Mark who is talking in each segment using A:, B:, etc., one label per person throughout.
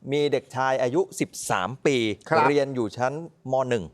A: มีเด็กชายอายุ13 ปีเรียนอยู่ชั้นม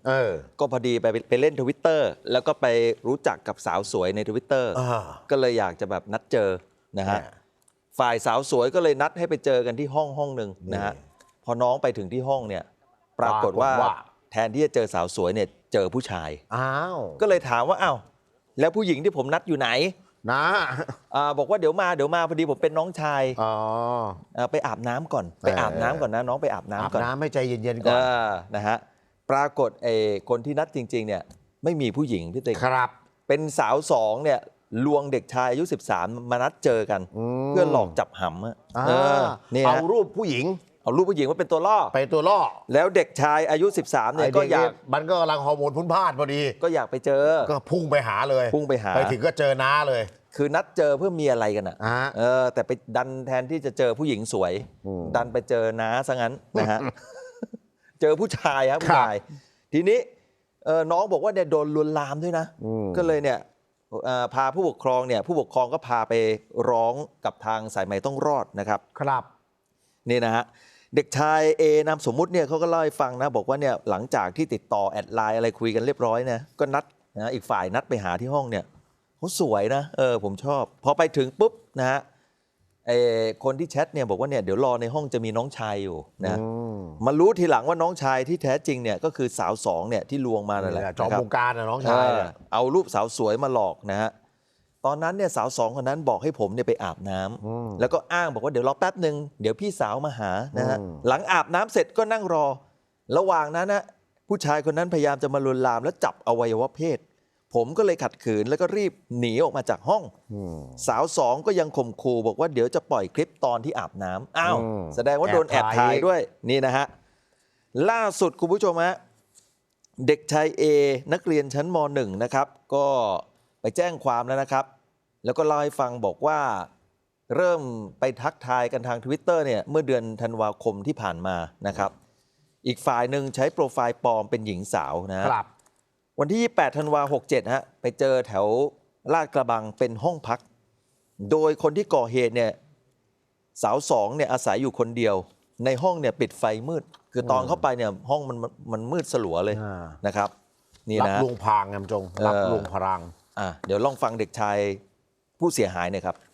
A: .1 ก็พอดีไปเล่น Twitter แล้วก็ไปรู้จักกับสาวสวยใน Twitter ก็เลยอยากจะแบบนัดเจอนะฮะฝ่ายสาวสวยก็เลยนัดให้ไปเจอกันที่ห้องหนึ่งนะฮะพอน้องไปถึงที่ห้องเนี่ยปรากฏว่าแทนที่จะเจอสาวสวยเนี่ยเจอผู้ชายก็เลยถามว่าอ้าวแล้วผู้หญิงที่ผมนัดอยู่ไหนนะบอกว่าเดี๋ยวมาพอดีผมเป็นน้องชายไปอาบน้ำก่อนไปอาบน้ำก่อนนะน้องไปอาบน้ำก่อนอาบน้ำให้ใจเย็นๆก่อนนะฮะปรากฏคนที่นัดจริงๆเนี่ยไม่มีผู้หญิงพี่ติ๊กครับเป็นสาวสองเนี่ยลวงเด็กชายอายุ13มานัดเจอกันเพื่อหลอกจับหำเนี่ยเอารูปผู้หญิงว่าเป็นตัวล่อแล้วเด็กชายอายุ13เนี่ยก็อยาก
B: มันก็กำลังฮอร์โมนพุ่นพลาดพอดี
A: ก็อยากไปเจอ
B: ก็พุ่งไปหาไปถึงก็เจอน้าเลย
A: คือนัดเจอเพื่อมีอะไรกันอ่ะแต่ไปดันแทนที่จะเจอผู้หญิงสวยดันไปเจอน้าซะงั้นนะฮะเจอผู้ชายครับผู้ชายทีนี้น้องบอกว่าเนี่ยโดนลวนลามด้วยนะก็เลยเนี่ยพาผู้ปกครองก็พาไปร้องกับทางสายใหม่ต้องรอดนะครับนี่นะฮะเด็กชายนามสมมุติเนี่ยเขาก็เล่าให้ฟังนะบอกว่าเนี่ยหลังจากที่ติดต่อแอดไลน์อะไรคุยกันเรียบร้อยนะก็นัดนะอีกฝ่ายนัดไปหาที่ห้องเนี่ยเขาสวยนะผมชอบพอไปถึงปุ๊บนะฮะคนที่แชทเนี่ยบอกว่าเนี่ยเดี๋ยวรอในห้องจะมีน้องชายอยู่นะมารู้ทีหลังว่าน้องชายที่แท้จริงเนี่ยก็คือสาวสองเนี่ยที่ลวงมานั่นแหละ
B: จอมวงการนะน้องชาย
A: เอารูปสาวสวยมาหลอกนะฮะตอนนั้นเนี่ยสาวสองคนนั้นบอกให้ผมเนี่ยไปอาบน้ำแล้วก็อ้างบอกว่าเดี๋ยวรอแป๊บหนึ่งเดี๋ยวพี่สาวมาหานะฮะหลังอาบน้ำเสร็จก็นั่งรอระหว่างนั้นนะผู้ชายคนนั้นพยายามจะมาลวนลามแล้วจับอวัยวะเพศผมก็เลยขัดขืนแล้วก็รีบหนีออกมาจากห้องสาวสองก็ยังข่มขู่บอกว่าเดี๋ยวจะปล่อยคลิปตอนที่อาบน้ำอ้าวแสดงว่าโดนแอบถ่ายด้วยนี่นะฮะล่าสุดคุณผู้ชมฮะเด็กชายนักเรียนชั้นม.1 นะครับก็ไปแจ้งความแล้วนะครับแล้วก็เล่าให้ฟังบอกว่าเริ่มไปทักทายกันทาง Twitter เนี่ยเมื่อเดือนธันวาคมที่ผ่านมานะครับอีกฝ่ายหนึ่งใช้โปรไฟล์ปลอมเป็นหญิงสาวนะครับวันที่28ธันวา67ฮะไปเจอแถวลาดกระบังเป็นห้องพักโดยคนที่ก่อเหตุเนี่ยสาวสองเนี่ยอาศัยอยู่คนเดียวในห้องเนี่ยปิดไฟมืดคือตอนเข้าไปเนี่ยห้องมันมืดสลัวเลยนะครับนี่นะ
B: รับลวงพรางจงรับลวงพราง
A: เดี๋ยวลองฟังเด็กชายผู้เสียหายหน่อยครับ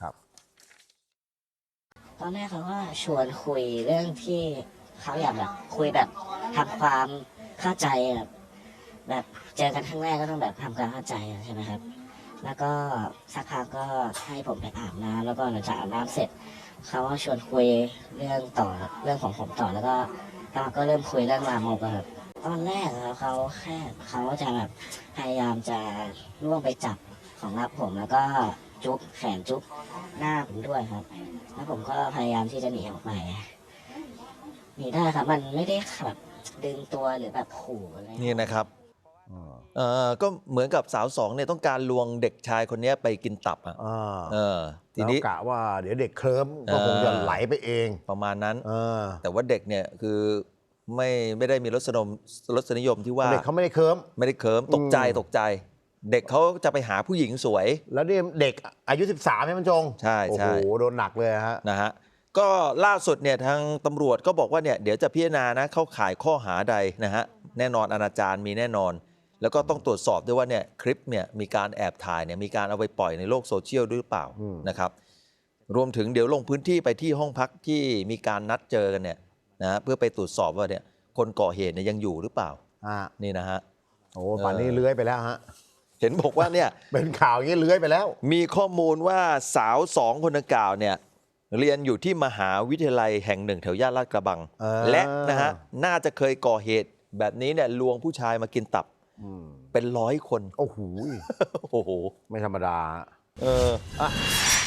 C: ตอนแรกเขาก็ชวนคุยเรื่องที่เขาอยากแบบคุยแบบทำความเข้าใจแบบเจอกันครั้งแรกก็ต้องแบบทำความเข้าใจใช่ไหมครับแล้วก็สักพักก็ให้ผมไปอาบน้ำแล้วก็หลังจากอาบน้ำเสร็จเขาก็ชวนคุยเรื่องต่อเรื่องของผมต่อแล้วก็เริ่มคุยเรื่องลามกครับตอนแรกเขาจะแบบพยายามจะล่วงไปจับของรับผมแล้วก็จุ๊บแขนจุ๊บหน้าผมด้วยครับแล้วผมก็พยายามที่จะหนีออกไปหนีได้ครับมันไม่ได้แบบดึงตัวหรือแบบขู่อะไร
A: นี่นะครับก็เหมือนกับสาวสองเนี่ยต้องการลวงเด็กชายคนนี้ไปกินตับ
B: ทีนี้กะว่าเดี๋ยวเด็กเคลิ้มก็คงจะไหลไปเอง
A: ประมาณนั้นแต่ว่าเด็กเนี่ยคือไม่ได้มีรสนิยมที่ว่า
B: เด็กเขาไม่ได้เคลิ้
A: มตกใจเด็กเขาจะไปหาผู้หญิงสวย
B: แล้วนี่เด็กอายุ13ใช่ไหมจง
A: ใช่
B: โอ้โหโดนหนักเลย
A: นะฮะก็ล่าสุดเนี่ยทางตำรวจก็บอกว่าเนี่ยเดี๋ยวจะพิจารณานะเข้าข่ายข้อหาใดนะฮะแน่นอนอนาจารมีแน่นอนแล้วก็ต้องตรวจสอบด้วยว่าเนี่ยคลิปเนี่ยมีการแอบถ่ายเนี่ยมีการเอาไปปล่อยในโลกโซเชียลด้วยหรือเปล่านะครับรวมถึงเดี๋ยวลงพื้นที่ไปที่ห้องพักที่มีการนัดเจอกันเนี่ยนะเพื่อไปตรวจสอบว่าเนี่ยคนก่อเหตุเนี่ยยังอยู่หรือเปล่านี่นะฮะ
B: โอ้ป่านนี้เลื้อยไปแล้วฮะ
A: เห็นบอกว่าเนี่ย
B: เป็นข่าวอย่างนี้เลื้อยไปแล้ว
A: มีข้อมูลว่าสาว2คนดังกล่าวเนี่ยเรียนอยู่ที่มหาวิทยาลัยแห่งหนึ่งแถวย่านลาดกระบังและนะฮะน่าจะเคยก่อเหตุแบบนี้เนี่ยลวงผู้ชายมากินตับเป็น100 คน
B: โอ้โหไม่ธรรมดา